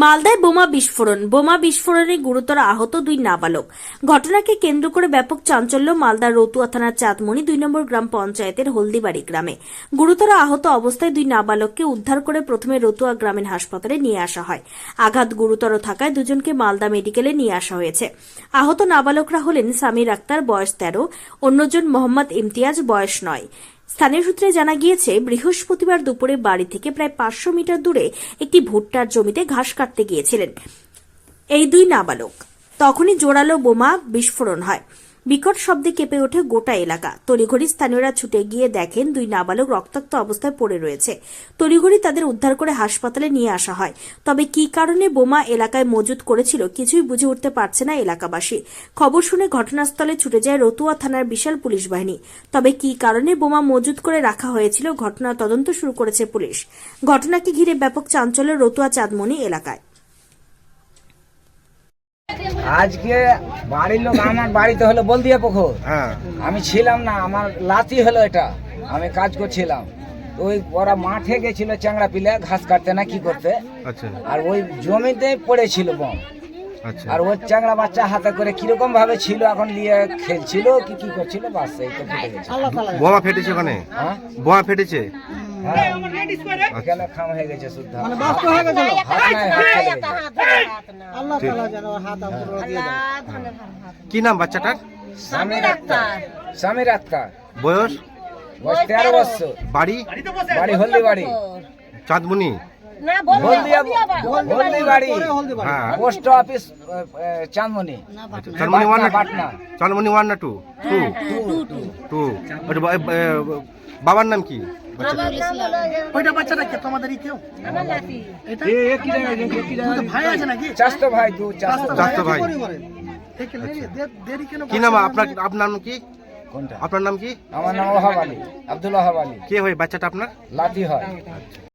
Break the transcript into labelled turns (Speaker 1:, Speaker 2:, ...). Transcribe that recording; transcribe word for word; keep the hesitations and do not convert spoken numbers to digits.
Speaker 1: মালদায় বোমা বিস্ফোরণ বোমা বিস্ফোরণে গুরুতর আহত দুই নাবালক। ঘটনাকে কেন্দ্র করে ব্যাপক চাঞ্চল্য মালদার রতুয়া থানার চাঁদমণি দুই নম্বর গ্রাম পঞ্চায়েতের হলদিবাড়ি গ্রামে। গুরুতর আহত অবস্থায় দুই নাবালককে উদ্ধার করে প্রথমে রতুয়া গ্রামীণ হাসপাতালে নিয়ে আসা হয়। আঘাত গুরুতর থাকায় দুজনকে মালদা মেডিকেলে নিয়ে আসা হয়েছে। আহত নাবালকরা হলেন সামির আক্তার, বয়স তেরো, অন্যজন মোহাম্মদ ইমতিয়াজ, বয়স নয়। স্থানীয় সূত্রে জানা গিয়েছে, বৃহস্পতিবার দুপুরে বাড়ি থেকে প্রায় পাঁচশো মিটার দূরে একটি ভুট্টার জমিতে ঘাস কাটতে গিয়েছিলেন এই দুই নাবালক। তখনই জোরালো বোমা বিস্ফোরণ হয়। বিকট শব্দে কেঁপে ওঠে গোটা এলাকা। তড়িঘড়ি স্থানীয়রা ছুটে গিয়ে দেখেন দুই নাবালক রক্তাক্ত অবস্থায় পড়ে রয়েছে। তড়িঘড়ি তাদের উদ্ধার করে হাসপাতালে নিয়ে আসা হয়। তবে কী কারণে বোমা এলাকায় মজুত করেছিল কিছুই বুঝে উঠতে পারছে না এলাকাবাসী। খবর শুনে ঘটনাস্থলে ছুটে যায় রতুয়া থানার বিশাল পুলিশ বাহিনী। তবে কী কারণে বোমা মজুত করে রাখা হয়েছিল ঘটনার তদন্ত শুরু করেছে পুলিশ। ঘটনাকে ঘিরে ব্যাপক চাঞ্চল্য রতুয়া চাঁদমণি এলাকায়।
Speaker 2: আজকে বাড়ির লোক আমার বাড়িতে হলো বলদিয়া পুকুর,
Speaker 3: হ্যাঁ
Speaker 2: আমি ছিলাম না, আমার লাতি হলো এটা, আমি কাজ করছিলাম। তো ওই ওরা মাঠে গেছিল চ্যাংড়া পিলে ঘাস কাটতে না কি করতে,
Speaker 3: আচ্ছা
Speaker 2: আর ওই জমিতে পড়েছিল বম।
Speaker 3: আচ্ছা
Speaker 2: আর ওই চ্যাংড়া বাচ্চা হাতে করে কিরকম ভাবে ছিল, এখন নিয়ে খেলছিল কি কি করছিল, বাস এই তো ফেটে গেছে।
Speaker 3: বোমা ফেটেছে ওখানে,
Speaker 2: হ্যাঁ
Speaker 3: বোমা ফেটেছে।
Speaker 2: হ্যাঁ এখানে খাম হয়ে গেছে শুদ্ধ, হাত নাই, হাত চলে গেছে।
Speaker 3: কি নাম বাচ্চাটার?
Speaker 2: সামির আক্তার, সামির আক্তার,
Speaker 3: বয়স?
Speaker 2: বয়স তেরো বছর।
Speaker 3: বাড়ি?
Speaker 2: বাড়ি হলদি বাড়ি,
Speaker 3: চাঁদমণি।
Speaker 2: হলদিয়া হলদি বাড়ি,
Speaker 3: হ্যাঁ
Speaker 2: post office Chandmoni,
Speaker 3: Chandmoni one না
Speaker 2: পাটনা।
Speaker 3: চাঁদমণি ওয়ান না টু? টু টু ওটা বা- এ, বাবার নাম কি?
Speaker 4: ওইটা বাচ্চাটা কে তোমাদেরই কেউ? এটা তোমাদের ভাই আছে নাকি?
Speaker 2: চাস্তো ভাই, দু চাস্তো ভাই।
Speaker 3: চাস্তো ভাই।
Speaker 4: কি করে? এই কে লেগে দে- দেরি কেন?
Speaker 3: কি নাম আপনার? আপনার নাম কি?
Speaker 2: কোনটা?
Speaker 3: আপনার নাম কি?
Speaker 2: আমার নাম ওহাব আলী, আব্দুল ওহাব আলী।
Speaker 3: কে হয় বাচ্চাটা আপনার?
Speaker 2: লাতি হয়।